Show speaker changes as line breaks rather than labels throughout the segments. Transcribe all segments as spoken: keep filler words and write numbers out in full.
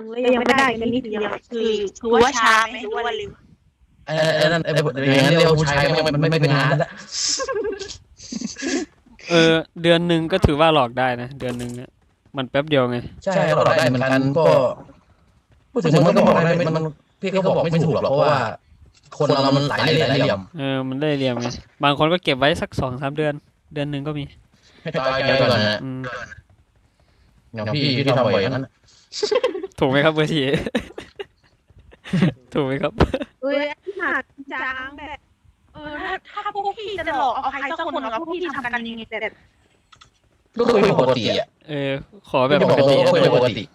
แล้วยังไม่ได้กันนี่เดียวคือคือว่าช้าไหมหรือว่าเร็ว
ไอ้ไอ้นั่นไอ้อย่างนั้นเรียกว่าผู้ชายมันไม่ไม่เป็นงานละ
เออเดือนหนึ่งก็ถือว่าหลอกได้นะเดือนหนึ่งเนี่ยมันแป๊บเดียวไง
ใช่ก็หลอกได้เหมือนกันก็พูดถึงมันก็บอกได้มันพี่เขาบอกไม่ถูกหรอกเพราะว่าคนเรามันหลายเล่ห์หลายเหลี่ยม
เออมันได้เหลี่ยมไงบางคนก็เก็บไว้สักสองสามเดือนเดือนหนึ่งก็มี
ให้ตายใจก่อนนะอย่างพี่พี่ทำบ่อยอย่างนั้น
ถูกไหมครับเบอร์ทีถูกไหมครับ
เอ้ยหนักจังแบบเออถ้าถ้าพวกพี่จะหลอกเอาใครสักคนแล้วพวกพี่ทำกันยังไงแบบ
ก็คุยปกติอ่ะ
เออขอแบบปกติ
ก็คุยปกติ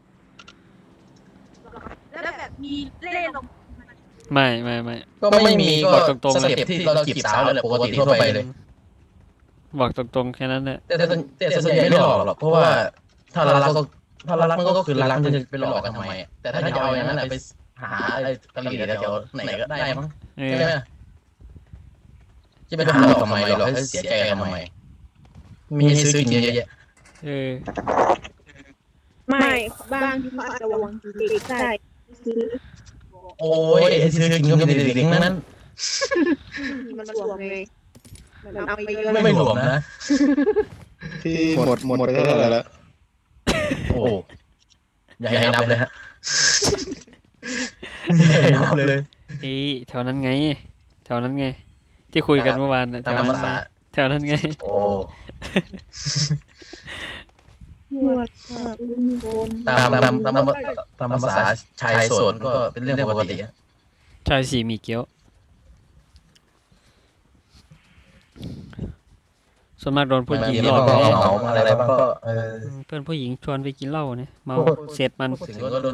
แล้วแบบมีเล่นลง
ไม่ไม่ไม่
ก็ไม่มีก็ตรงๆสเต็ปที่เราจีบสาวแล้วแหละปกติทั่วไปเลย
บอกตรงๆแค่นั้นแหละ
แต่แต่ส่วนใหญ่ไม่หลอกหรอกเพราะว่าถ้ารักก็ถ้ารักมันก็คือรักมันจะไปหลอกกันทำไมแต่ถ้าจะเอาอย่างนั้นไปหาอะไรกะหรี่เดี๋ยวไหนก็ได้มั้งใช่ไหมจะไปหลอกทำไมหลอกให้เสียใจทำไมมีซื้อกินเยอะแยะ
เออ
ไม่บางทีเขาอาจจะวางเด็กได้ซื้อ
โอ้ยซื้อกินก็ไม่ได้เด็กๆนั้น
มันหลวมเลยมันเอาไปเยอะ
ไม่หลวมนะ
ที่หมดหมดไปเท่าไหร่แล้ว
โอ้อย่าให้นับเลยฮะอย่าให้นับเลย
เอ้แถวนั้นไงแถวนั้นไงที่คุยกันเมื่อวานแถวนั้นแถวนั้นไง
โอ้ตามตามตามตามภาษาชายโสดก็เป็นเรื่องปกติ
ชายสี่มีเกี้ยวส่วนมากโดนผู้หญิงหลอก
เมาอะไรบ้างก็
เพื่อนผู้หญิงชวนไปกินเหล้าเนี่ยเมาเสร็จมัน
ถึงก็โดน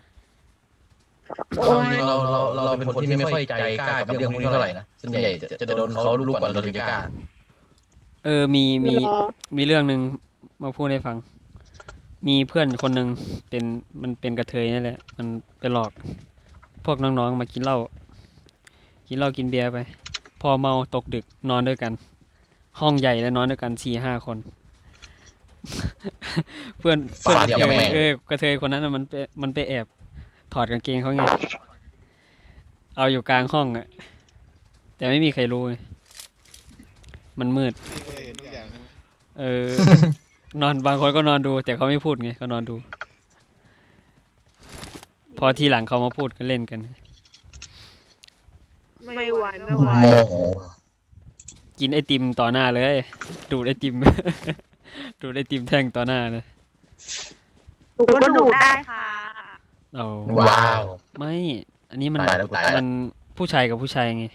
เราเราเราเป็นคนที่ไม่ค่อยใจกล้ากับเรื่องพวกนี้เท่าไหร่นะส่วนใหญ่จะโดนเขาลูกก่อนเราถึงจะกล้า
เออมีมีมีเรื่องนึงมาพูดให้ฟังมีเพื่อนคนนึงเป็นมันเป็นกระเทยนี่แหละมันไปหลอกพวกน้องๆมากินเหล้ากินเหล้ากินเบียร์ไปพอเมาตกดึกนอนด้วยกันห้องใหญ่แล้วนอนด้วยกันสี่ห้าคนเพื่อนเพื่อนเออกระเทยคนนั้นมันไปมันไปแอบถอดกางเกงเขาไงเอาอยู่กลางห้องอ่ะแต่ไม่มีใครรู้มันมืดเออนอนบางคนก็นอนดูแต่เขาไม่พูดไงเขานอนดูพอทีหลังเขามาพูดก็เล่นกัน
ไม่ไหวไม่ไหว
กินไอติมต่อหน้าเลยดูไอติมดูไอติมแท่งต่อหน้าเลย
ดูก็ดูได้ค่ะ
โอ้
ว้าว
ไม่อันนี้มันมันผู้ชายกับผู้ชายไง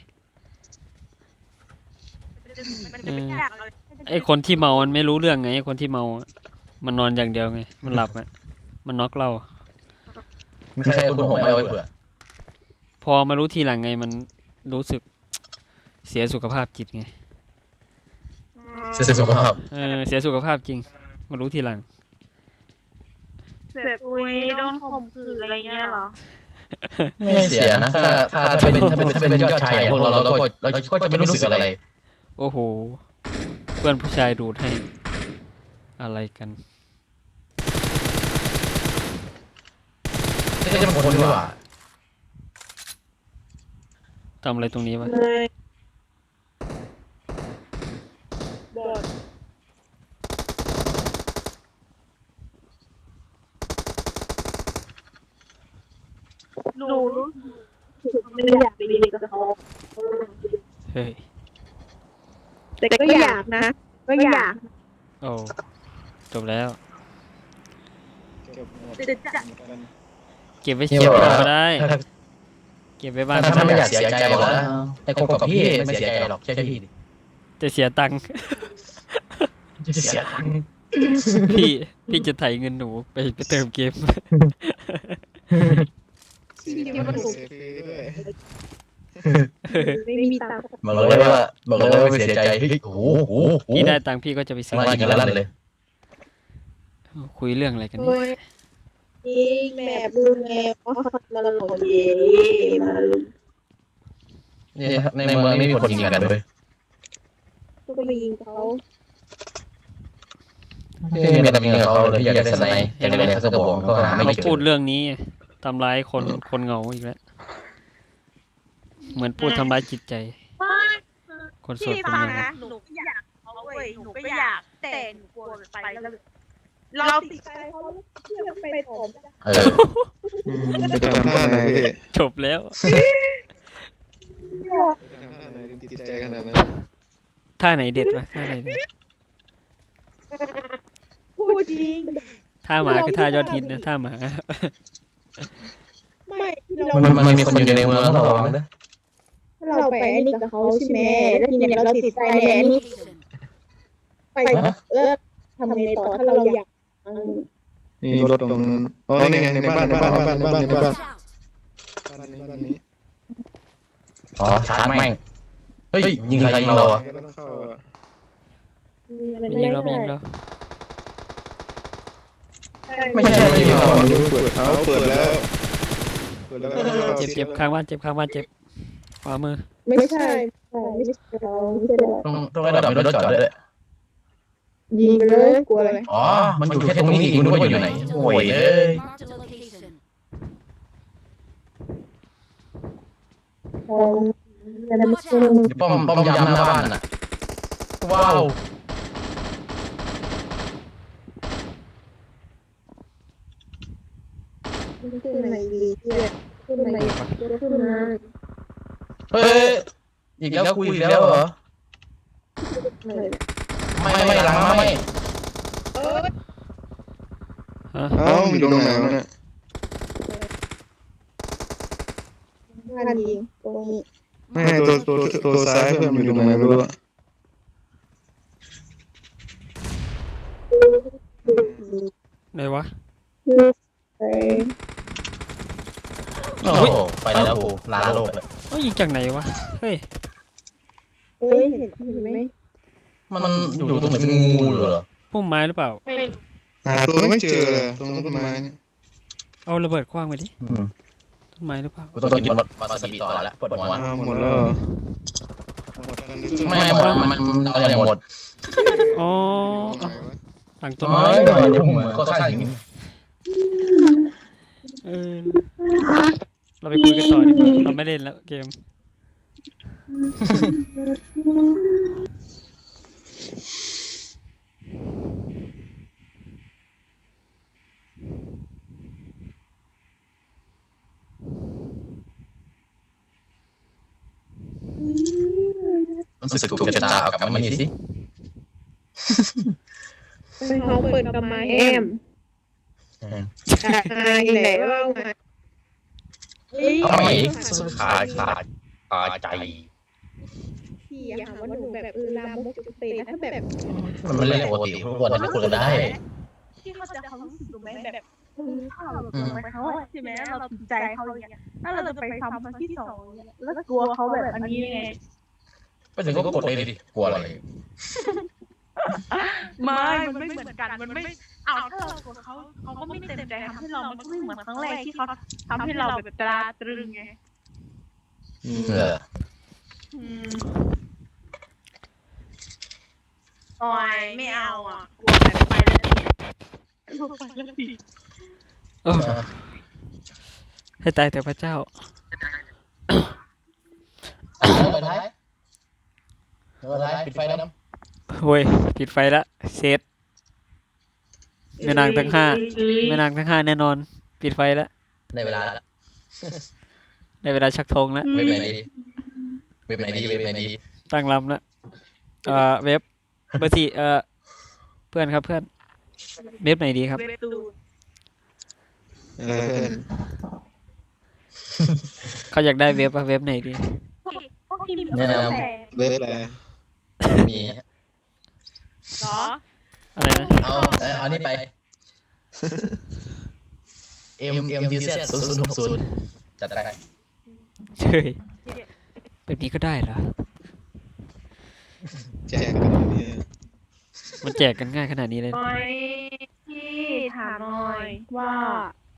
ไอคนที่เมามันไม่รู้เรื่องไงไอคนที่เมามันนอนอย่างเดียวไงมันหลับอ่ะมันน็อกเรา
ไม่ใช่คนหัวไม่เอาไว้เผื่อ
พอมารู้ทีหลังไงมันรู้สึกเสียสุขภาพจิตไง
เสียสุขภาพ
เออเสียสุขภาพจริงมารู้ทีหลัง
แบบอุ้ยโดนข่มขืนอะไรเงี้ยหรอ
ไม่เสียนะถ้าถ้าถ้าเป็นถ้าเป็นถ้าเป็นยอดชายพวกเราเราก็เราก็จะไม่รู้สึกอะไร
โอ้โหเพื่อนผู้ชายดูดให้อะไรกัน
ไม่ใช่เป็นคนดีกว่า
ทำอะไรตรงนี้วะ
หนูไม่อยากไปเรียนกับเขา
เฮ้ย
แต่ก็อยากนะก็อยาก
โอ้จบแล้วเก็บไว้เชียวก็ได้เก็บไว้บ้าน
ถ้าไม่อยากเสียใจบอกนะให้คบกับพี่ไม่เสียใจหรอกใช่พี่
จะเสียตังค์
จะเสียตังค์
พี่พี่จะไถเงินหนูไปไปเติมเกม
ไม่มีตังค์
บอกเลยว่าบอกเลยว่าไม่เสียใจโอ้โห
พี่ได้ตังค์พี่ก็จะไปซื้อ
กินแล้วเลย
คุยเรื่องอะไรกัน
นี่แม่บูแม่ก็ละหลงเย่มา
นี่ในเมืองไม่มีคนยิงกันเลย
ก็ไปยิงเขา
ที่มีแต่มีกับเขาเลยที่อยากได้สไนป์อยากได้เขาจะบอกก็หาไม่
เขา
เจ
พูด
อ
เรื่องนี้ทำร้ายคนคนเหงาอีกแล้วเหมือนพูดทำร้ายจิตใจ คนโสด
พี่
คน
ฟัง
เหงา
นะหนูก็อยากเขาเว้ยหนูก็อยากแต่หนูกลัวไปแล้วเราติดใจเขาเชื่อไปผม
เออ
อืมไปทำท่าไหนพี่
จบแล้ว
ทำท่าไหนถึงติดใจขนาดนั้น
ท่าไหนเด็ดวะท่าไหนเด็ด
พูดจริง
ท่าหมาคือท่ายอดฮิตนะท่าหมา
ไม่เรา
มันมันมีคนอยู่ในเมืองต้องระวังนะ
เราไปไอ้นี่กับเขาใช่ไหมแล้วทีเนี้ยเราติดใจในอันนี้ไปเออทำไงต่อถ้าเราอยาก
นี่รถตรงนั้นอ๋อนี่ไงในบ้านในบ้านในบ้านในบ้านในบ้านบ้านนี้บ้านนี้
อ๋อชาร์จแม่งเฮ้ยยิงใครยิงเราอ่ะ
ไม่ต้องเข้าอ่ะ
มียิงเรามียิงเรา
ไม่ใช่ไม่ใช่
อ๋อเปิดเอาเปิดแล้วเปิดแล้วก็เข้า
เจ็บเจ็บข้างบ้านเจ็บข้างบ้านเจ็บขวามือ
ไม่ใช่ไม่ใช่เราไม่ใช่เรา
ต้องต้องระดับรถจอดด้วย
ยิงไปเลยกลัวอะไร
อ๋อมันอยู่แค่ตรงนี้อีกคุณนึกว่าอยู่ไหนโอ้ยเอ้ย ป้อมป้อมยามหน้าบ้านน่ะว้าว
ขึ้นไหนดีเพื่อนขึ้นไหนขึ้นมา
เฮ้ยอีกแล้วคุยอีกแล้วเหรอไม่ไม่หลังไม่
ฮะ
เอ้าอยู่ตรงไหนวะเนี่ย
บ้านยิงตรงนี้
ไม่ตัวตัวตัวซ้ายเพื่อนมันอยู่ตรงไหนไม่รู้อะ
ไหนวะ
ไป
โอ้โหไปแล้วกูลาโลกเลย
เอ้ยยิงจากไหนวะเฮ้ย
เอ้ยเห็นเห็นไหม
มันอยู่ตรงไหนเป็นงูเหรอ
พุ่มไม้หรือเปล่า
หาตัวไม่เจอเลยตรงต้นไม้เนี่ย
เอาระเบิดคว้างไปดิต้นไม้หรือเปล่า
กูต้องกินวาซาบิต่อแล้วปวดหัว
อ้าวหมดแล้วเหรอหมดกันหรือ
ไม่หมดมันอะไรหมด
อ๋อ
ตรงไหนวะ
หลังต้น
ไม่
ไม้
หน่อยเดี๋ยวผมก็ฆ่าอย่างนี้
เออเราไปคุยกันต่อดีกว่าเราไม่เล่นแล้วเกม
รู้สึกถูกชะตาเอากลับมานี่สิ
เขาเปิดกับไม้แอมอายไหนว่ามา
เอาไม่ขาดขาดขาดใจ
พี่อย่าหาว่าหนูแบบเออลามกจุกเตะนะถ้าแบบ
มันไม่เล่นปกติทุกคนจะคุยกันได้
ที่เขาจะเขารู้สึกถูกไหมแบบเออถ้าเราไปเขาใช่ไหมเราติดใจเขาอย่างเงี้ยถ้าเราจะไปทำครั้งที่สองแล้วกลัวเขาแบบอันนี้ไง
ไปถึงก็กดเลยดิกลัวอะไร
ไม่มันไม่เหมือนกันมันไม่เอาถ้าเรากลัวเขาเขาก็ไม่เต็มใจทำให้เรามันก็ไม่เหมือนครั้งแรกที่เขาทำให้เราแบบตราตรึงไง
เออ
โอ้ยไม่เอาอ่ะกลัวแบบไปแล้วกลัวไปแล้วสิ
เออให้ตายแต่พระเจ้า
ไปท้ายไปท้ายปิดไฟแล้วน้
โว้ยปิดไฟละเซตแม่นางทั้งห้าแม่นางทั้งห้าแน่นอน ปิดไฟละ
ำในเวลา
ในเวลาชักธงละ
เว็บไหนดีเว็บไหนดีเว็บไหนดี
ตั้งลำละเอ่อเว็บเบอร์สี่เอ่อเพื่อนครับเพื่อนเว็บไหนดีครับ
เว็บตูน
อะไรเพื่อน
เขาอยากได้เว็บอะเว็บไหนดี
พวกทีม
แนะน
เว็บอะไร
ำมี
เหรอ
อะไรนะ
เอาเอานี่ไป M M D Z ศูนย์ศูนย์หกศูนย์จัดไป
เฮ้ยแบบนี้ก็ได้เหรอ
แจกกันเนี่ย
มันแจกกันง่ายขนาดนี้เลย
ไม่พี่ถามหน่อยว่า